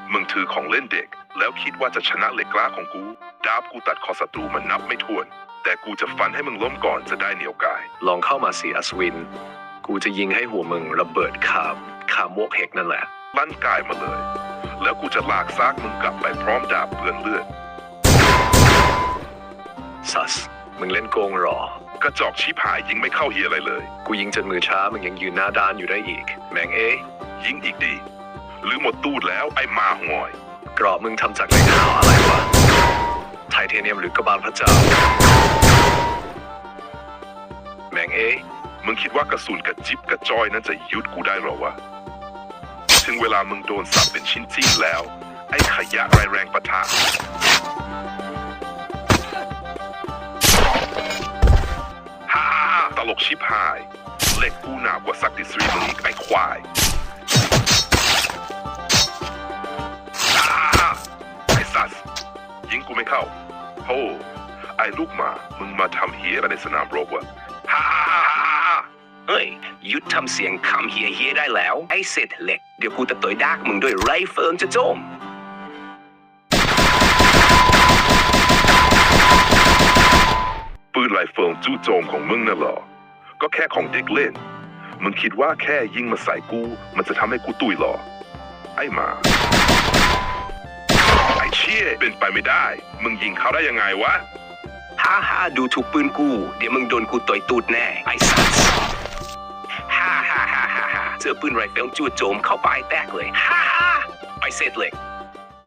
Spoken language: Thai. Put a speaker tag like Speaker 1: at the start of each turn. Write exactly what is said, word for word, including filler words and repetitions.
Speaker 1: มึงถือของเล่นเด็กแล้วคิดว่าจะชนะเหล็กกล้าของกูดาบกูตัดคอศัตรูมันนับไม่ถ้วนแต่กูจะฟันให้มึงล้มก่อนจะได้เหนียวกาย
Speaker 2: ลองเข้ามาสิอัศวินกูจะยิงให้หัวมึงระเบิดคามคามวกเฮกนั่นแหละ
Speaker 1: ลั่นกายมาเลยแล้วกูจะลากซากมึงกลับไปพร้อมดาบเปื้อนเลือด
Speaker 2: ซัสมึงเล่นโกงหรอก
Speaker 1: ระจอกชิบหายยิงไม่เข้าเฮียอะไรเลย
Speaker 2: กูยิงจนมือช้ามึงยังยืนหน้าด้านอยู่ได้อีกแมงเอ้
Speaker 1: ยิงอีกดีหรือหมดตูดแล้วไอ้มาห่วย
Speaker 2: กรอบมึงทำจากเหล็กขาวอะไรวะไทเทเนียมหรือกระบาลพระเจ้าแมงเอ้
Speaker 1: มึงคิดว่ากระสุนกระจิบกระจ้อยนั้นจะยุดกูได้หรอวะถึงเวลามึงโดนสับเป็นชิ้นจิ้งแล้วไอ้ขยะไรแรงปะทะฮ่าตลกชิบหายเหล็กกูหนากว่าซักดิสรีมึงอีกไอ้ควายไอ้สัสยิงกูไม่เข้าโธ่ไอ้ลูกหมามึงมาทำเฮียอะไรในสนามรบวะฮ่า
Speaker 3: เฮ้ยหยุดทำเสียงคำเฮียเฮียได้แล้วไอ้เศษเหล็กเดี๋ยวกูจะต่อยดากมึงด้วยไรเฟิลจะโจม
Speaker 1: ปืนไรเฟิลจู่โจมของมึงน่ะเหรอก็แค่ของเด็กเล่นมึงคิดว่าแค่ยิงมาใส่กูมันจะทำให้กูตุยหรอไอ้หมาไอ้เชี่ยเป็นไปไม่ได้มึงยิงเขาได้ยังไงวะ
Speaker 3: ฮ่าฮ่าดูถูกปืนกูเดี๋ยวมึงโดนกูต่อยตูดแน่ไอ้สัสฮ่าฮ่าฮ่าฮ่าฮ่าเจอปืนไรเฟิลจู่โจมเข้าไปแตกเลยฮ่าฮ่าไอ้เศษเหล็ก